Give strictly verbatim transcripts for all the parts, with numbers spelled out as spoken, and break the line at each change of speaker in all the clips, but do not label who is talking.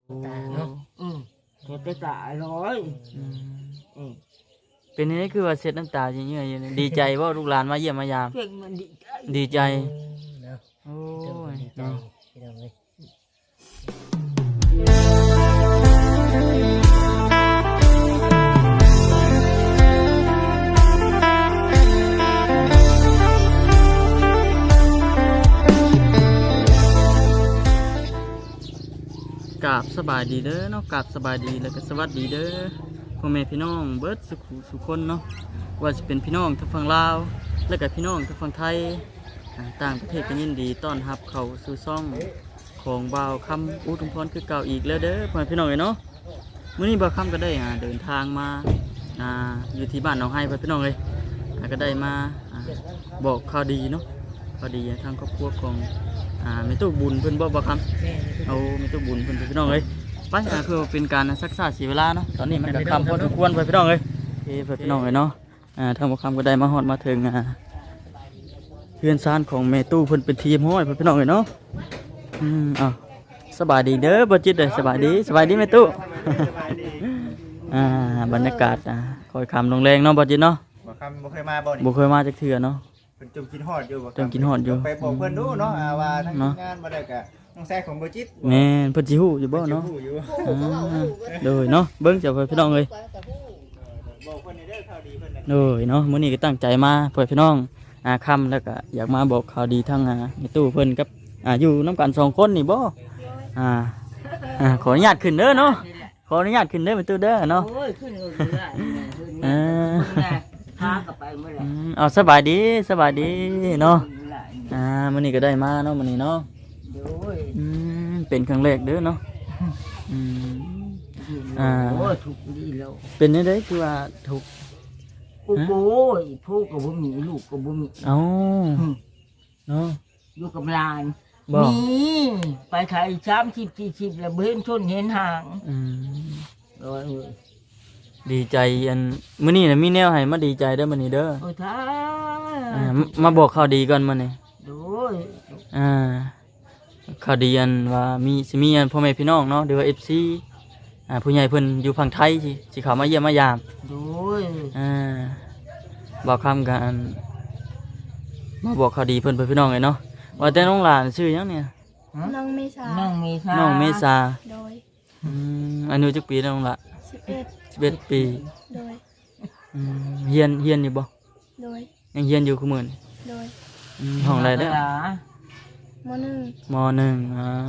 ตาเนาะ
อืมเฮ็ดตาร้อยอืม
เป็นนี่คือว่าเสร็จน้ำตาเยอะๆดีใจว่าลูกหลานมาเยี่ยมมายาม
เพิ่งมันดีใจ
ดีใจ
เนาะ
โอ้
ดีใจ
เนาะ
พี่น้องเลย
กราบสบายดีเด้อเนาะกราบสบายดีแล้วก็สวัสดีเด้อพ่อแม่พี่น้องเบิดสุขุสุคนเนาะว่าจะเป็นพี่น้องทางฝั่งลาวแล้วก็พี่น้องทางฝั่งไทยอ่าต่างประเทศก็ยินดีต้อนรับเข้าสู่ซ่องของบ่าวคำอุทุมพรคือเก่าอีกแล้วเด้อพ่อแม่พี่น้องเอ้ยเนาะมื้อนี้บ่าวคำก็ได้อ่าเดินทางมาอ่าอยู่ที่บ้านหนองไห้พ่อพี่น้องเลยอ่าก็ได้มาอ่าบอกข่าวดีเนาะข่าวดีทางครอบครัวของอ่าแม่ตู้บุญเพิ่นบ่บ่าวคำ เอาไม่ต้องบุญเพื่อนพี่น้องเลยไปอ่าเพื่อเป็นการซักษาเสียเวลาเนาะตอนนี้มันก็คำพอสมควรไปพี่น้องเลยโอเคเพื่อนพี่น้องเลยเนาะอ่าทางบุคคลก็ได้มาฮอดมาถึงอ่าเพื่อนซานของเมตู้เพิ่นเป็นทีมห้อยเพื่อนพี่น้องเลยเนาะอืมอ่ะสบายดีเด้อบ่จิตเลยสบายดีสบายดีเมตู้ อ่าบรรยากาศอ่าคอยคำลงแรงเนาะบ่จิตเนาะ
บ่คำบ่เคยมาบ่นี่
บ่เคยมาจากเถื่อเนาะ
เพิ่นจมกินฮอดอยู่บ่คำ
จมกินฮอดอยู่
ไปบอกเพิ่นดูเนาะอ่าว่าทาง
เนาะ
งานบ่ได้ก็น้องแซ่ของบ่จิต
แม่นเพิ่นสิฮู้อยู่บ่เนาะ
พิ่สิฮู้อยู่
อ่าโดยเนาะเบิ่งเจ้าเพื่อนพี่น้องเลย
บอกเพิ่นให้เด้อข่าวดีเพิ่นน่ะ
เลยเนาะมื้อนี้ก็ตั้งใจมาเพื่อพี่น้องอาค่ำแล้วก็อยากมาบอกข่าวดีทั้งอ่าในตู้เพิ่นกับอ่าอยู่น้ำกันสองคนนี่บ่อ่าอ่าขออนุญาตขึ้นเด้อเนาะขออนุญาตขึ้นเด้อในตู้เด้อเนาะ
โอ้ยขึ้นเลยได้ขึ้น
เอ
เลย
อ
พากลับไปเมื่อไหร่
อืมเอาสบายดีสบายดีเนาะอ่ามื้อนี้ก็ได้มาเนาะมื้อนี้เนาะ
โอ้ย
อืมเป็นครั้งแรกเด้อเนาะอืม อ่า
โอ้ยถูกดีแล้ว
เป็นจังได๋คือว่าถูก
โอ้โหผู้กับบุมีลูกกับบุมี
เอ้าเนาะ
อยู่กับหลาน
บ่
นี่ไปขายสามสิบสี่สิบแล้วเห็นชนเห็นห่าง
อืม
โอ้ยเอ้ย
ดีใจอันมื้อนี้น่ะมีแนวให้มาดีใจเด้อมื้อนี้เด้อ
โอ้ยท่า
อ่ามาบอกข่าวดีก่อนมื้อนี้
โอ้ย
อ่าข่าวดีอันว่ามีสิมีอันพ่อแม่พี่น้องเนาะหรือว่า เอฟ ซี อ่าผู้ใหญ่เพิ่นอยู่ฝั่งไทยสิสิเข้ามาเยี่ยมมายาม
โอ้ย
อ่าบอกคำกันมาบอกข่าวดีเพิ่นเพิ่นพี่น้องเลยเนาะว่าแต่น้องหลานชื่อหยังเนี่ย
น้องเมษา
นั่งเมษา
น้องเมษา
โดย
อืมอายุจักปีแล้วน้องละ
สิบเอ็ด
สิบเอ็ดปี
โดย
อืมเฮียนเฮียนอยู่บ่
โดย
ยังเฮียนอยู่คือมื้อนี้
โดย
อืมห้องใดเด้อ
มหนึ่ง
มหนึ่งอ่า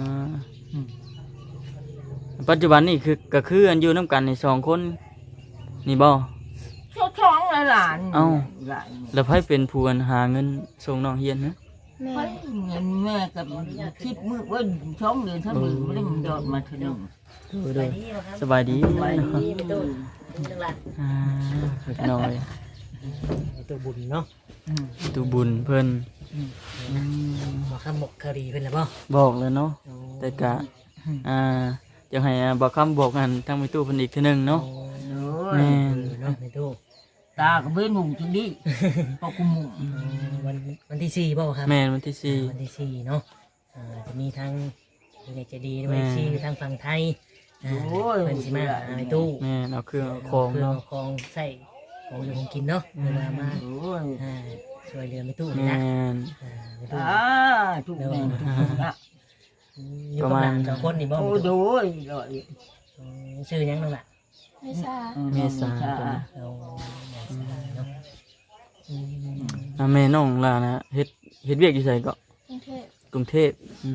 ปัจจุบันนี่คือก็คืออันอยู่น้ำกันในสองคนนี่บ่
ชอบท้องหลานหลาน
เอ้า
หลาน
แล้วไผเป็นผู้อันหาเงินส่งน้องเฮียนนะ
แม่
ไปเงินแม่กับคิดมือว่าช่องเดือนถ้ามือไม่ได้มันโดดมาถึง
ดูดูสบายดี
ไป
เนาะ
ดีไปตู้จังหวัด
อ่าน้อย
ตัวบุญเนาะ
ตูบุญเพิ่น
บอกคำบอกคดีเพิ่นแล้วบ่
บอกเลยเนาะแต่กะอ่าอยากให้บอกคำบอกกันทางไปตู้เพิ่นอีกทีหนึงเนาะ
โอ้
แม่
ย
น
เนาะในตู้
ตากับเบ้นหุ่งจริงดิพอกุมหุ่ง
วันวันที่สี่บ่ครับ
แม่นวันที่สี่
วันที่สี่เนาะอ่าจะมีทางเด็กจะดีด้วย
แม่
ที่ทางฝั่งไทยอ่าเพิ่นสิมาหาในตู้
แม่นเอาเครื่องเอาของ
เพื่อ
เนาะ
คองใส่ของอยู่ของกินเนาะเวลามา
โอ้ย
อ่าช่วยเหลือในตู้นี่
แม่
นะ
น
อ่าในตู้
อ่าทุกแม่ทุกคนอ่ะ
อยู่กับหลานสองคนนี่บ่
โอ้
ในตู้
โดยเลย
อืมชื่อหยังนั่นล่ะ
เมษา
เมษา
เอาเนาะอืม
อ่าแม่น้องล่ะนะเฮ็ดเฮ็ดเวียกอยู่ไสก็
กรุงเทพ
กรุงเทพอืม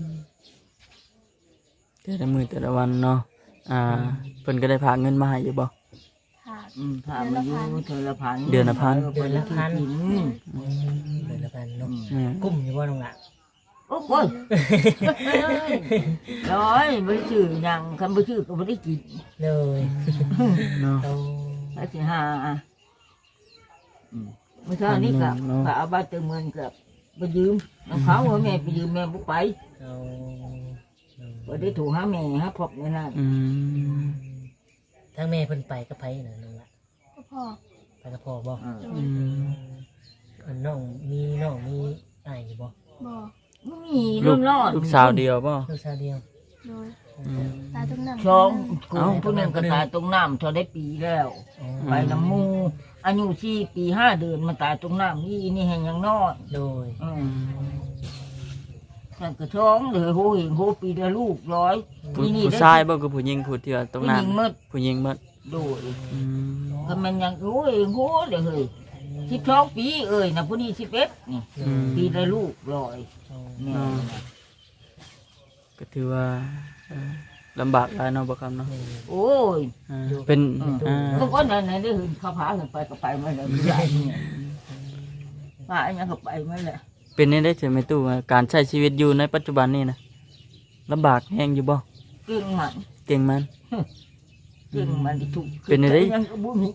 โดย
แต่ละมื้อแต่ละวันเนาะอ่าเพิ่นก็ได้พากเงินมาให้อยู่บ่
ขาด
อืมถามมาอยู่เดือนละพัน
เดือนละพัน
เดือนละพันอืม
เดือนละพันเนาะ
แม่
กุ้มอยู่บ่น้องล่ะ
โอ้โหร้อยไม่ได้ชื่อยังคำไม่ชื่อก็ไม่ได้กิน
เลย
เนาะ
เอา
ไอ้ที่ห้าอ่ะอืมเมื่อเช้านี้กับกับเอาบ้านเติมเงินกับไปยืมน้องเขาว่าแม่ไปยืมแม่บุกไป
เอา
ก็ได้ถูกหาแม่ฮะพบในนั้น
อืม
ทั้งแม่เพิ่นไปก็ไปน่ะน้องล่ะ
ก็พ่อ
ไปกับพ่อบ่
เออ
อืม
เพิ่นน้องมีน้องมีอ้ายอยู่บ่
บ่
ไม่มี
ลู
รุ่
ก
นรอด
ลูกสาวเดียวป่ะ
ลูกสาวเดียว
อ
โดย
อืม
ตายตรงนั้น
สอง
เอ้า
ผู้หนึ่งก็ตายตรงน้ำเท่าได้ปีแล้ว ไปน้ำมูอายุสี่ปีห้าเดือนมันตายตรงน้ำนี่นี่แห่งยังน้อย
โดย
อืมแต่กระท้องเลยโหเห็นโหปีละลูกร้อย
ผู้
นี่นี่
ผู้
ได้
ชายบ่คือผู้หญิงผู้ที่ว่าตรง
ผู้
นั้
ห
น
ญิงหมืด
ผู้หญิงหมด
โดย
อืม
ก็มันยังโหเห็นโหเลยเฮ้ยสิบสองปีเอ้ยนะผู้นี้สิบเอ็ดนี่
อืม
ปีละลูกร้อยนี่
อ๋อ ก็ถือว่าเอ่อลำบากหลายเนาะบ่ครับเนาะ
โอ้ย
อ่าเป็นอ่า
ก็ก็นั่นนั่นได้เห็นเขาพาขึ้นไปก็ไปมาเลยไม่ได้เนี่ยพาอันนี้ก็ไปมาเลย
เป็นได้ได้ถึงแม่ตู้ว่าการใช้ชีวิตอยู่ในปัจจุบันนี่นะลำบากแฮงอยู่บ่
เก่งมัน
เก่งมัน
เก่งมันที่ถูก
เป็นไงได้
ยังก็บุญ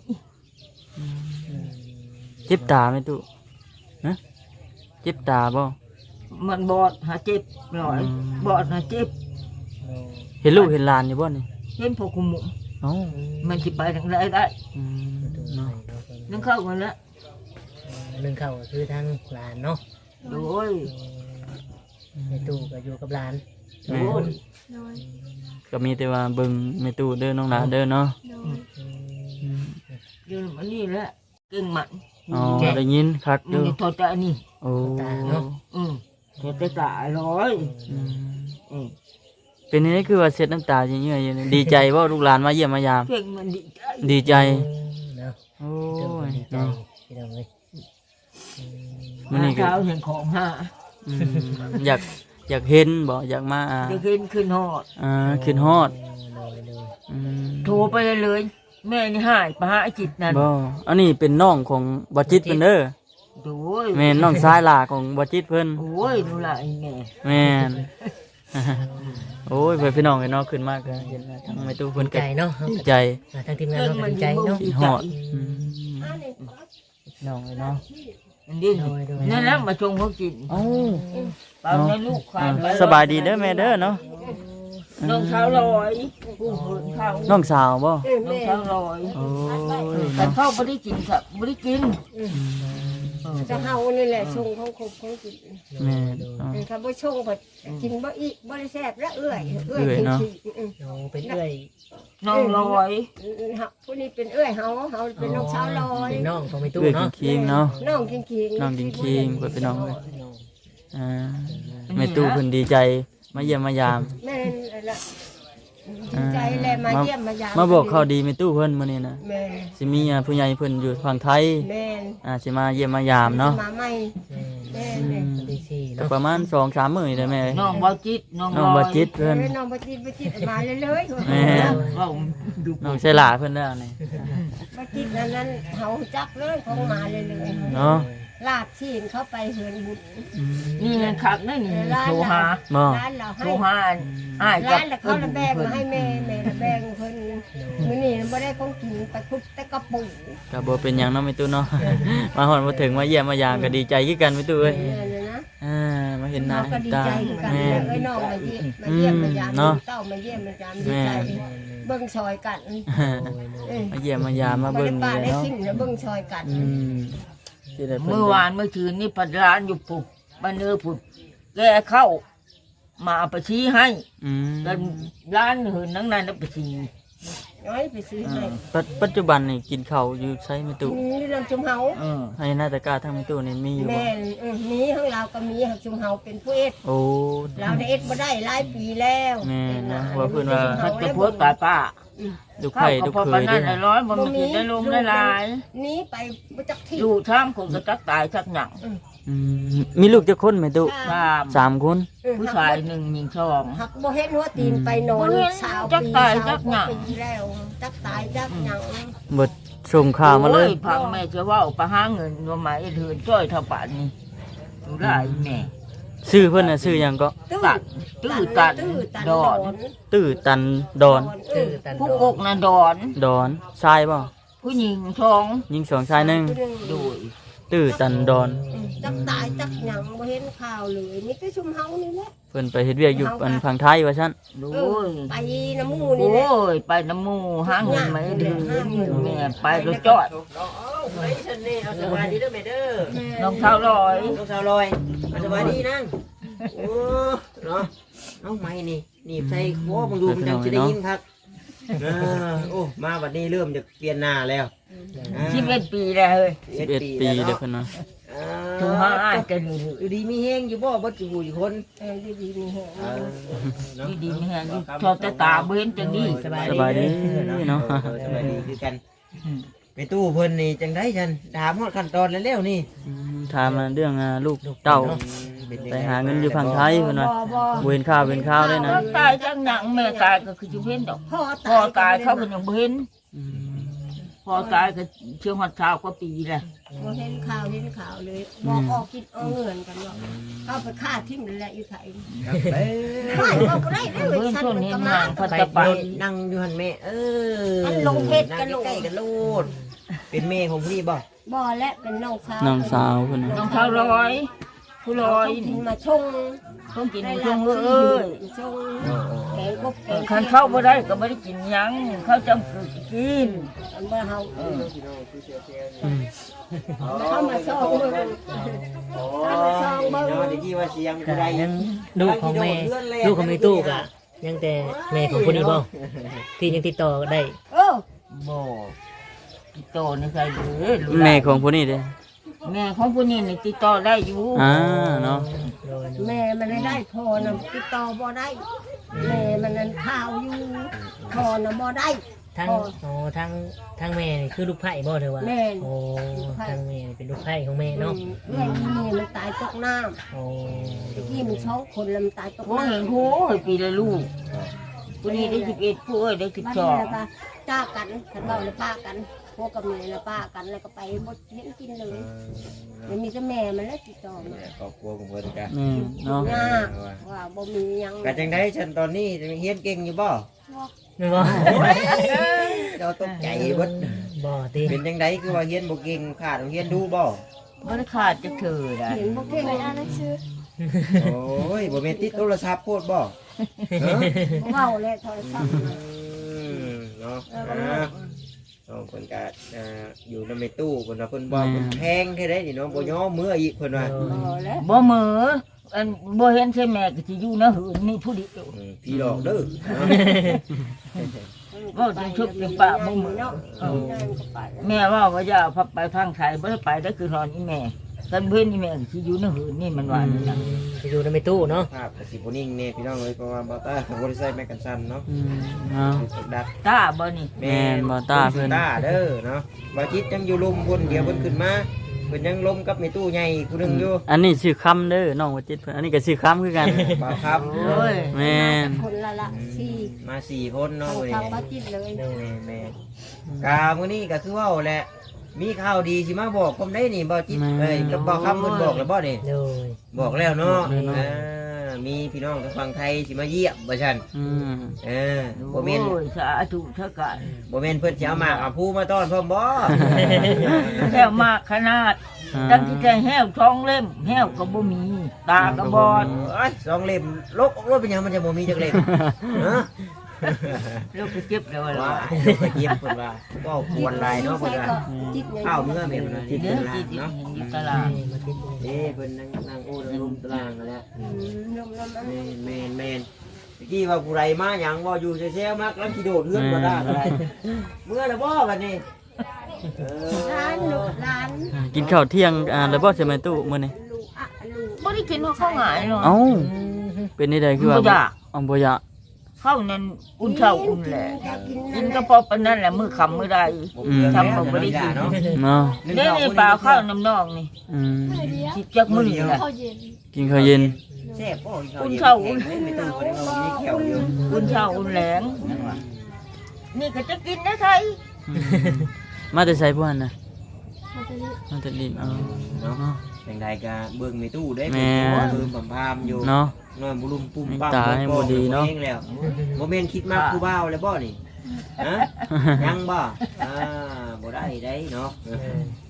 เจ็บตาแม่ตู้ฮะเจ็บตาบ่
มันบอดหาเจ็บหน่อย
อืม
บอดหาเจ็บ
เห็นลูกเห็นหลานอยู่บ่นี่
เห็นพวกคุมหมุ
เอ้า
มันสิไปทางใดได้
อืมเนาะ
นึกเข้ามาแล้ว
หนึ่งเข้าก็คือทางหลานเนาะ
โดย
ในตู้ก็อยู่กับหลาน
โดย
โดย
ก็มีแต่ว่าเบิ่งแม่ตู้เด้อน้องหลานเด้อเนาะ
โดย
อืม
เดี๋ยวมันนี่แหละเก่งมัน
อ๋อได้ยินคักอ
นี่
ยู่
ทอดใจนี่
โอ้
อืมทอดใจตาร้อย
อืม
อืม
เป็นนี่คือว่าเช็ดน้ำตาเยอะๆอยู่นี่ดีใจว่าลูกหลานมาเยี่ยมมายาม
เก่งมันดีใจ
ดีใจ
เนาะ
โอ้
ตู้
ย
ดีใจ
เนาะ
พี่น้องเอ้ย
มื้อนี้ก็
เช้าเห็นของห้า
อืมอยากอยากเห็นบ่อยากมาอ่า
เดี๋ยวขึ้นขึ้นหอด
อ่าขึ้นฮอด
โดยโดย
อืม
โทรไปเลยเลย แม่นี่หายไปหาไอ้จิตนั่น
บ่อันนี้เป็นน้องของบ่จิตเพิ่นเด้อ
โอ้ย
แม่นน้องชายหลาของบ่จิตเพิ่น
โอ้ยดูละไอ้แม่
แม่น โอ้ยเพิ่นพี่น้องไอ้น้องขึ้นมากเลยเห็นแล้วทั้งแม่ตู้เพิ่น
ดี
ก็
ใจเนาะ
ดีใจ
อ่าทางทีมงานเราก็ดีใจเนาะ
คิดฮอดอืมพี่น้องไอ้น้อง
มันดิ้น
โดยโดย
นั่นแหละมาชงเขากิน
เอ้า
เปล่าในลูกควายไป
สบายดีเด้อแม่เด้อเนาะ
น้องเท้าลอยผู้เพิ่นเข้า
น้องสาวบ่
น้องเท้าลอย
โอ้ย
แต่
เนาะ
เข้าไม่ได้กินสับไม่ได้กิน
จะเฮานี่แหละชงของครบของกิน
แม่นเนาะ
ถ้าบ่ชงก็กินบ่อีบ่ได้แซ่บแล้วเอื้อยเอื้อย
เอื้อยเนาะ
อืม
โอ้เป็นเอ้อย
น้องลอย
เฮาผู้นี้เป็นเอื้อยเฮาเฮาเป็นน้องสาวลอย
เป็นน้องของแม่ตู้
เอื้อย
เนาะ
คิงๆเนาะ
น้องกินขิง
น้องกิงคิงเพิ่นพี่น้องเอ้ยอ่าแม่ตู้เพิ่นดีใจมาเยี่ยมมายาม
แม่นละดีใจแลมาเยี่ยมมายาม
มาบอกข่าวดีแม่ตู้เพิ่นมื้อนี้นะ
แม่น
สิมีอ่าผู้ใหญ่เพิ่นอยู่ฝั่งไทย
แม่น
อ่าสิมาเยี่ยมมายามเนาะ
มาใหม่
แม่
แม่นแม่น
วันที่สี่
ก็
เนาะ
ประมาณ สองถึงสาม มื้อนี่แหละแม่เอ้ย
น้องบอจิตน้อง
น้องบ่จิตเพิ่น
แม่น้องบ่จิตบ่จิตมาเลยเลย
แม่
ว่าดู
น้องใส่หลาเพิ่นแล้วนี่
บ่จิตนั้นนั้นเฮาจักเลยของมาเลยเลย
เนาะ
ลาดชีนเข้าไปเฮือนบุญ
นี่เงินคักนั่นนี่โทรหา
บ่
ร้านเรา
โทร
ให้
หาอ้าย
ร้านแล้วเขาละแบงมาให้แม่แม่ละแบงเพิ่นมื้อนี้บ่ได้ของกินไปคุบแต่กระปุก
ก็บ่เป็นหยังเนาะแม่ตู้เนาะ มาฮอดมาถึงมาเยี่ยมมายามก็ดีใจคือกันแม่ตู้เอ้ย
เนี่ยนะ
อ่ามาเห็นหน้า
เราก็
เห็น
ดี
ตา
ใจคือกัน
แม่
เอ้ยน้องมาเยี่ยมมาเยี่ยมมายาม
เนาะ
เต้ามาเยี่ยมมายามดีใจเบิ่งซอยกันเอ้ย
มาเยี่ยมมายามมา
บ่
เบิ่
ได้
ง
ป้า
นี่
ได้
เนาะ
สิ่งแล้วเบิ่งซอยกัน
อืมสิได้พิ่
เมื่อวานเมื่อคืนนี่ปัดร้านอยู่ปุบบ้านเนื้อปุบแกเข้า มาเอาไปชี้ให้
อืม
กันร้านหืนนั่งนั่นแล้วไปชี้
น้อยไปซื้อให้
ปัจปัจจุบันนี่กินข้าวอยู่ใช้แม่ตู้
นี่ลำจุมเฮา
เออ
ให้หน้าตะกร้าทั้งแม่ตู้นี่มีอยู่บ่
แม่นเออมีของเราก็มีของจุมเฮาเป็นผู้เอ็ด
โอ้
เราได้เอ็ดบ่ได้หลายปีแล้ว
แม่นะว่าเพิ่นว่า
มันจะพูดตายป้า
ลูกไผ่ลูก
พอ
เค
ปาน
ย
นั้
ด้วน ย
ร้อยมันมีได้ลงได้หลาย
นี้ไปบ่จักที่
อยู่ท่ามคนก็จักตายจักหยัง
อืมมีลูกจักคนแม่ตู้
สาม
สามคน
ผู้ชายหนึ่งหญิงสอง
หักบ่เห็นหัวตีนไปนอน
บ่เห็น
สาว
จัก
ปี
ตาย
สาว
จักหยัง
ปีแล้วจักตายจักหยัง
เบิดส่งข่าวมาเลย
โอ้พังแม่จะว่าไปหาเงินว่าหมายเถินจ้อยเท่าป่านนี้ดูได้แม่
ชื่อเพิ่นน่ะชื่อหยังก็
ตื้อ
ตัดตื้อตัน
ตื้อตัน
ดอน
ตื้อตันดอน
เอ
ตื้อ
อ
ตัน
ผู้
โด
กกน่ะดอน
ดอนชายบ่
ผู้หญิงสอง
ยิงสองชายหนึง
โดย
ตื้อตันดอน
จักตายจักหยังบ่เห็นข่าวเลยมีแต่ชุมเฮานี่แหละ
เพิ่นไปเฮ็ดเวียกอยู่อันฝั่งไทยว่าซั่น
โด
เออย ไปน้ำหมู
โอ้
นี่แหละ
ยไปน้ำหมูหาเงินมาให้เดือนแม่ไปรถจ้อย
สบายดีเด้อแม่เด้อ
น้องเท้าลอย
น้องสาวลอยสบายดีนั่งโอ้เนาะน้องไม้นี่
หนีบใส่โอ้มึงดูมันจังจะได้ยินครับเออโอ้มาวันนี้เริ่มจะเปลี่ยนหน้าแล้ว
สิบเอ็ดปีแล้วเฮ้ย
สิบเอ็ดปีเด้อเพิ่นว่า
ถูกห้าอ้ายกันนี่
อยู่ดีมีแห้งอยู่บ่บ่จูอยู่คน
เออดีๆมีแฮง
เออเนาะ
ดีดีไม่แห้งอยู่ชอบแต่ตาเบ้นจังนี้
สบายดีเนาะ
ออสบายดีคือกันไปตู้เพิ่นนี่จังได๋ฉันถามฮอดขั้นตอนแล้วๆนี่
อืมถามมาเรื่องอ่าลูกเต้าไปหาเงินอยู่ฝั่งไทยเพิ่นว่า
บ่บ่
บ่เห็นข่าวเป็นข่าวเลยนะ
ก็ตายจังหยังแม่ตายก็คือจะเห็นดอก
พ่อ
พ่อ
ตาย
ตายเขาก็ยังบ่เห็น
อืม
พ่อตายก็เชื่อฮอดชาวก็ปีแหละ
บ่เห็นข่าวเห็นข่าวเลยบอกออกคิดเอาเงินกันว่าเอาไปฆ่าทิ้งนั่นแหละอยู่ไทย
เอ้ย
ไม่เอาบ่ได้เด้อ
เพิ่น
ฉัน
ช่วง
มัน
นี้
ก็
นาม
าง
เขา
ไป
จะไป
รถนั่งอยู่หั่นแม่เออ
อันลงเพชรกันโลด
ใกล้ๆกันโลดเป็นแม่ของพี่บ่
บ่และเป็นน้องสาว
น้องสาวเพิ่น
น้อ
น่ะ
งเขาร้อยผู้ร้อย
กินมาชง
ต้องกิน
ได้
ช่
ลาว
ง
บ
เอ้ย
ชงแกงกบแกง
คันเข้าบ่ได้ก็บ่ได้กินหยังเขาจำคือกิน
อันบ่เฮา
อืม
เข้ามาซองเบิ่ง
โอ้
ซองเบิ่ง
เนาะตะกี้ว่าเสียงผู้ใด
ยังลูกของแม่
เลื่อนแล่น
ลูกของแม่ตู้ก็ยังแต่แม่ของผู้นี้บ่ที่ยังติดต่อได้
เออ
บ่ติดต่อนี่ใครเด้อ
แม่ของผู้นี้เด้อ
แม่ของผู้นี้นี่ติดต่อได้อยู่
อ่าเนาะ
โดย
แม่มันได้ได้พอนะติดต่อบ่ได้แม่มันนั้นข่าวอยู่พอนะบ่ได้
ทั้งอ๋อทั้งทั้งแม่นี่คือลูกไผ่บ่เธอว่า
แม่น
โอ้ทั้งแม่นี่เป็นลูกไผ่ของแม่เนาะ
เพื่อนที่นี่มันตายตกน้
โอ้
ำตะกี้มันสองคนแล้วมันตายตก
ผู้
น้ำ
เห็นโหยปีละลูกผู้นี้ได้สิบเอ็ดผู้เอ้ยได้สิบ
บ้าน
สอ
นี้
ง
แล้วก็จ้ากันฉันเล่าแล้วป้ากันพวกกับแม่แล้วป้ากันแล้วก็ไปหมดเห็นกินเลยมันมีแต่แม่มันแล้วติดต่อมา
ครอบครัวของเพิ่นกะ
แม่เนาะ
ยากว่าบ่มีหยัง
กะจังไดฉันตอนนี้เฮียนเก่งอยู่บ่
แม่นบ่
เราตกใจเบิด
บ่ติ
เป็นจังไดคือว่าเฮียนบ่เก่งขาดโรงเรียนดูบ่
บ่ได้ขาดจะเธอได้
เห็นบ่เก่ง
ไปอ่านหนังสือ
โอ้ยบ่แม่นติดโทรศัพท์โพดบ่เออ
บ่เว้าแล้วโทรศัพท์
อืมเนาะอ่าน้องเพิ่นก็อ่าอยู่ในตู้เพิ่นว่าเพิ่นบ่เพิ่นแพงแค่ได้นี่เนาะบ่ย่อมืออีกเพิ่นว่า
บ่แล้ว
บ่เหมืออันบ่เห็นใช่แม่ก็สิอยู่นะหืนนี่ผู้เดียว
อืมพี่หลอกเด้อ
เว้าจนชุบจนปะบ่เหมือ
เนาะ
เออ
นั่นก็ไป
แม่ว่าว่าอย่าพับไปทางไทยบ่ได้ไปได้คือนอนอีแม่กันเพิ่นอีแม่สิอยู่นะหืนนี่มันว่านี่นะ
จะอยู่ในแม่ตู้เนาะ
ภาพก็สิบ่นิ่งแน่พี่น้องเอ้ยเพราะว่าบ่าวต้าเขาบ่ได้ใส่แมกกันซันเนาะ
อืมเนาะ
ดัด
ตาบ่นี่
แม่นบ่ตาเพิ่น
ตาเด้อเนาะบ่จิตยังอยู่ลมพุ่นเดี๋ยวเพิ่นขึ้นมาเพิ่นยังลมกับแม่ตู้ใหญ่อีกผู้หนึงอยู่
อันนี้ชื่อคำเด้อน้องว่าจิตเพิ่นอันนี้ก็ชื่อคำคือกัน
บ่าวครับ
โอ้ย
แม่น
คนละละสี่
มาสี่คนเนาะ
ทาง
มื้อ
ทาง
นี้
บ้านจิตเลย
แม่แม่กามื้อนี้ก็คือเว้าแหละมีข่าวดีสิมาบอกผมได้นี่บ่จิตเอ้ยกับบ่าวคำเพิ่นบอกแล้วบ่นี่
โดย
บอกแล้วเนาะ
บอกแล้วเนาะ
อ่ามีพี่น้องทางฝั่งไทยสิมาเยี่ยมบ่ซั่น
อืม
เออบ่แม่น
โอ้ยสาธุเถอะกัน
บ่แม่นเพิ่นสิเอาหมากเอาผู้มาต้อนพร้อมบ่
แห้วมากขนาดตั้งที่ใจแห้วท้องเล่มแห้วก็บ่มี ตาก็บอด
เอ้ยสองเล่มลกออกรถเป็นหยังมันจะบ่มีจักเล่มฮะ
ลูกก็เจ็บแล้ว
ว่า
ล่ะ
ไปเยี่ยมเพิ่นว่าก็ควรหลายเนาะเพิ่นว่า
จิตเนี่ย
ข้าวเมื่อแม่นว่าที่
เดี๋
เพิ่
ยวน
ลา
จิต
เนาะ
อยู่ตลาด
มาคิดดู
เด้เพิ่นนั่งนั่งโอ้นั่งลุมตารางนั่นแหละ
อืมนมนม
แม่นแม่นแม่นเมื่อกี้ว่าผู้ใดมาหยังบ่อยู่แซ่ๆมักลังสิโดดเฮือนบ่ได้อะไรเมื่อแล้วบ่บัดนี้เออ
ร้านลูกร้าน
อ่ากินข้าวเที่ยงอ่าแล้วบ่ใช่ไหมตู้มื้อนี้
ลูกอะลูก
บ่ได้กินว่าข้าวหงายเนาะ
เอ้าเป็นนี่ใดคือว่า
บ่อยาก
อ๋อบ่อยาก
ข้าวนั้นอุ่นเช้าอุ่นแหละกินก็พอปานนั้นแหละมื้อค่ำมื้อใด
อืม
ทำบ่บ่ได้กิน
เนาะ
เนาะ
เด้นี่ปลาข้าวน้ำนองนี่
อืม
เพื่อเดียว
สิจักมื้อนี่แหละ
ข้าวเย็น
กินข้าวเย็น
แซ่บบ่
อุ่นเช้าอุ่น
ไม่ต้องเพิ่นเอามีแขวอยู่
อุ่นเช้าอุ่นแหลงนี่ก็จะกินนะไทย
มาแต่ไสพวกนั้นน่ะ
มันจะรีบ
มาแต่ดินเอา
เนาะ
เนาะ
จังใดก็เบิ่งในตู้ได้
แม่
เป็นตัวเบิ่งบำพามอยู่
เนาะ
นอนบุรุมปุ่มปั๊ม
ตาให้บ่ดีเนาะ
องแล้วบ่แม่นคิดมากผู้บ่าวแล้วบ่นี่ฮะยังบ่อ่าบ่ได้ได้เนาะ
เออ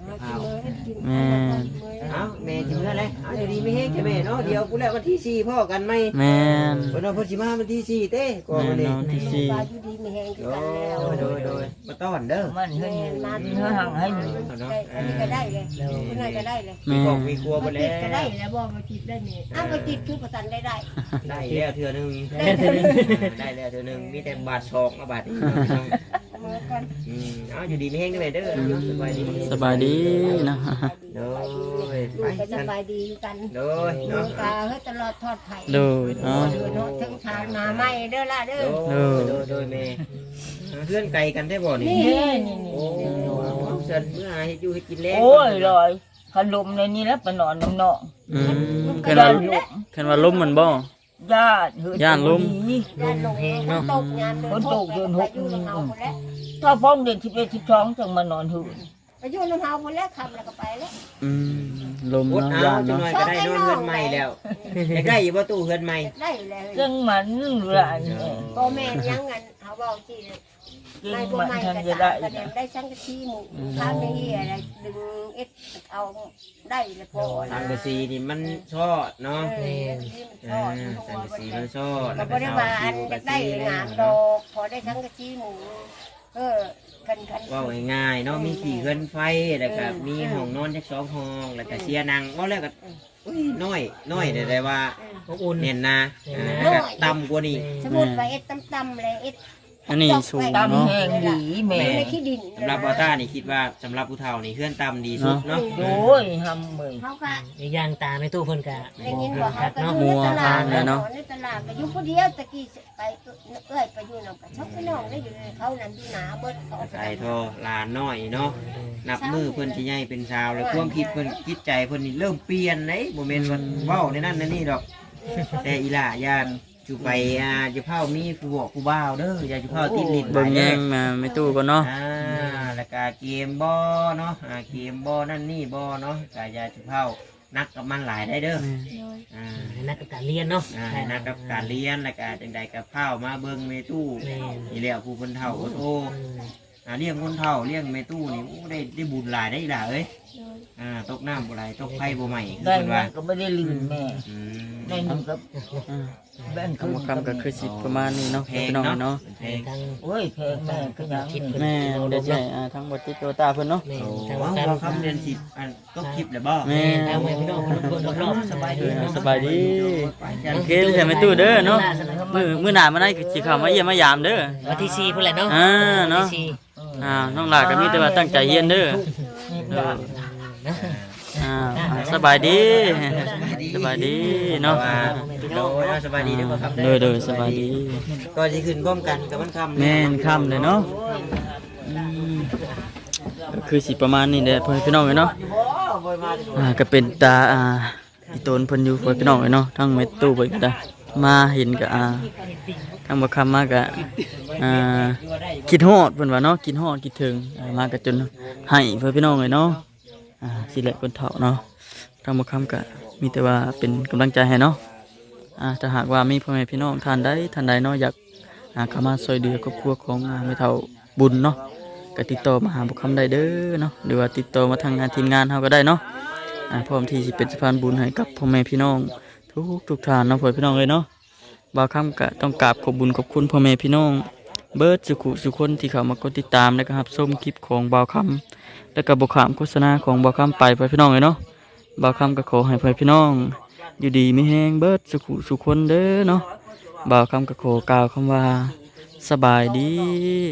กินเลยกิน
แม่น
เอาแม่ถึงแล้วเลยเอาเดี๋ยวดีไม่แห้งใช่ไหมเนาะเดี๋ยวกูแล้ววันที่สี่พ่อกันไหม
แม่น
วันนั้นพ่อสิมาวันที่สี่เต้ก่อน
แม่
วัน
น
นี้
เนาะที่สี่
ปลาอยู่ดีไม่แห้ง
โด
กันแล้ว
ยโดยโดยมาต้อนเด้อ
มันเฮ็ดเฮ็ดหังให้มัน
ได้อันนี้ก็ได้เลยคุณนายก็ได้เลย
มี
แม่
ของ
น
มีครัวไป
มา
แล้
ติด
ว
ก็ได้แล้วบอกมาติดได้เนี่ยอ้าวมาติดคือประสันได้ได้
ได้แล้วเทื่อหนึง
ได้เท่านี้
ได้แล้วเทื่อหนึงมีแต่บาทสองกับบาทนี้
เหมือนกัน
อืมเอาอยู่ดีไม่แห้งได้เด้ออยู่สบายดี
สบายดีนะ
โดย
ลู
ไป
กก็ส
กัน
บายดีกัน
โดย
ลู
เนาะ
กตาเฮ้ยตลอดทอดไผ่
โดยเนาะ
เนาะถึงทางมาไม่เด้อล่ะเด้อ
โดยโดยโดยแม่เพื่อนไก่กันได้บ่นี่
นี่
นี่นี่
โอ้เสิร์ฟเมื่อหาให้อยู่ให้กินแล้ว
โอ้ยลอยขนมในนี้แล้วไปนอนน้ำเนาะ
อืม
ก
คั
ระ
น
ดา
ว่า
ษหลุม
คันว่าล้มมันบ่
ญาติเฮ้ย
ย่านลม
นี่
ด้านลงฝนตกยามเดินตกเดินหกอยู่น้ำเฮาคนแล้ว
ถ้าพ้องเดือนสิบเอ็ดสิบสองจังมานอนหืน
ไปอยู่น้ำเฮาคนแล้วขับแล้วก็ไปแล้ว
อืมลม
อด
เนาะ
เอา
ย่าน
จัง
เนาะ
หน่อยก็ได้นอนเฮือนใหม่แล้วอยากได้อยู่บ่ตู้เฮือนใหม่
ได้แล้ว
จังมันหลานเนี่ย
พ่อแม่ยังงั้นเขาบอกสิ
จั
ไม่
ง
บ่
มัน
ไม่
ทัน
กระ
จะ
ดา
ได้
ษกระเด็นได้สังกะสีหมูข้ามไม่เหี้ยอะไรดึงเอ็ดเอาได้แล้วพอ
สังกะสีนี่มันชอดเนาะ
เออที่มันช
อ่า
อบ
สังกะสีมันชอด
กับบริวารจะได้งามดอกพอได้สังกะสีหมูเออคันคัน
ว่าง่ายๆเนาะมีขี่เฮือนไฟแล้วก็มีห้องนอนจักสองห้องแล้วก็เสียนังว่าแล้วก็อุ้ยน้อยน้อยได้ได้ว่า
อบอุ่น
เน่นนะอ่าแล้วก็ต่ำกว่านี้
สมุดไปเอ็ดต่ำๆเลยเอ็ด
อันนี้สูง
ตาม
เนาะ
แห้งดีแม่
ในขี้ดิน
สำหรับบอต้านี่คิดว่าสำหรับผู้เฒ่านี่เฮือนต่ำดีสุดเนาะ
โอ้ยทำเหมย
เขาก็
อีกอย่างตาในตู้เพิ่นก็
ได้ยินบอกเขาก็อยู่ในตลาดในตลาดก็อยู่คนเดียวตะกี้ไปเอ้ยไปอยู่นำกับชอบพี่น้องได้อยู่เขานั่นที่หนาเบิดเขา
ใส่ทอหลานน้อยเนาะนับมือเพิ่นสิใหญ่เป็นสาวแล้วความคิดเพิ่นจิตใจเพิ่นนี่เริ่มเปลี่ยนเลยบ่แม่นว่าเว้าในนั้นในนี่ดอก แต่อีหล่าย่านจูไปอ่าจะเผามีผู้บอกผู้บ่าวเด้ออย่าจะเผาติดลิ้น
เบิ่ง
ไป
แย่
เด้
งมาไม่ตู้ก่อนเนาะ
อ่าแล้วก็เกมบ่เนาะอ่าเกมบ่นั่นนี่บ่เนาะก็อย่าจะเผานักกับมันหลายได้เด้ออ่า
นักกับการเรียนเนาะ
อ่าให้นักกับการเรียนแล้วก็จังใดกับเผามาเบิ่งเมตู้
แม่น
นี่แหละผู้คนเฒ่าโอ้โห
อืม
อ่าเลี้ยงคนเฒ่าเลี้ยงเมตู้นี่โอ้ได้ได้บุญหลายได้อีหล่าเอ้ยอ่าตกน้ำบ่ไหลตกไฟบ่ใหม่คือ
ได้
เพิ่น
มั
ว่าน
ก็ไม่ได้ลืมแม่
อืม
ได้หนึ่งกับ
อ่า
แบ่ง
คำว่าคำก็คือสิประมาณนี้เนาะ
แพ
พี่
ง
น้อง
เนาะ
เนาะ
แพง
ทาง
โอ้ยแพงแม่ก็ยัง
คิดเพิ่น
แม่
เอาล
เดี๋ยว
ง
ใช่
เนาะ
อ่าทั้งบทติโตตาเพิ่นเนาะ
แม่
โอ้
ทาง
ว้าว
การ
เราคำเดือนสิบอันก็คลิปเลยบ่
แม่
ทางแม่พี่น้องคนคนรอบๆ
สบายดี
เออสบายดี โอเคใช่ไหมตู้เด้อเนาะมือมือหน้ามาได้สิเข้ามาเยี่ยมมายามเด้อ
วันที่สี่พุ่นแหละเนาะ
อ่าเนาะ
วันที่สี่
อ่าน้องหลาก็มีแต่ว่าตั้งใจเรียนเด้อเด้อ
นะ
อ่าอ่าสบายดีสบายดีเนาะ
โดยสบายดีเด้อบ่ครับ
เด้อเด้อสบายดี
ก็สิขึ้นพร้อมกันกับมันคำ
แม่นค่ำเลยเนาะอืมก็คือสิประมาณนี้แหละพ่อพี่น้องเอ้ยเนาะอ่าก็เป็นตาอ่าอีโตนเพิ่นอยู่พ่อพี่น้องเอ้ยเนาะทั้งเม็ดตู้เพิ่นก็ได้มาเห็นก็อ่าทั้งบ่คำมาก็อ่าคิดฮอดเพิ่นว่าเนาะคิดฮอดคิดถึงอ่ามาก็จนให้พ่อพี่น้องเอ้ยเนาะอ่าสิแหละคนเฒ่าเนาะทั้งบ่คำก็มีแต่ว่าเป็นกำลังใจให้เนาะอ่าถ้าหากว่ามีพ่อแม่พี่น้องท่านใดท่านใดเนาะอยากอ่าเข้ามาช่วยเหลือครอบครัวของอ่าแม่เฒ่าบุญเนาะก็ติดต่อมาหาบ่คำได้เด้อเนาะหรือว่าติดต่อมาทางงานทีมงานเฮาก็ได้เนาะอ่าพร้อมที่สิเป็นสะพานบุญให้กับพ่อแม่พี่น้องทุกทุกท่านเนาะพ่อพี่น้องเอ้ยเนาะบ่าวคำก็ต้องกราบขอบบุญขอบคุณพ่อแม่พี่น้องเบิดสุขุสุคนที่เข้ามากดติดตามและก็รับชมคลิปของบ่าวคำแล้วก็บ่ขามโฆษณาของบ่าวคำไปพ่อพี่น้องเอ้ยเนาะบ่าวคำก็ขอให้พ่อพี่น้องอยู่ดีมีแฮงเบิดสุขุสุคนเด้อเนาะบ่าวคำก็ขอกล่าวคำว่าสบายดี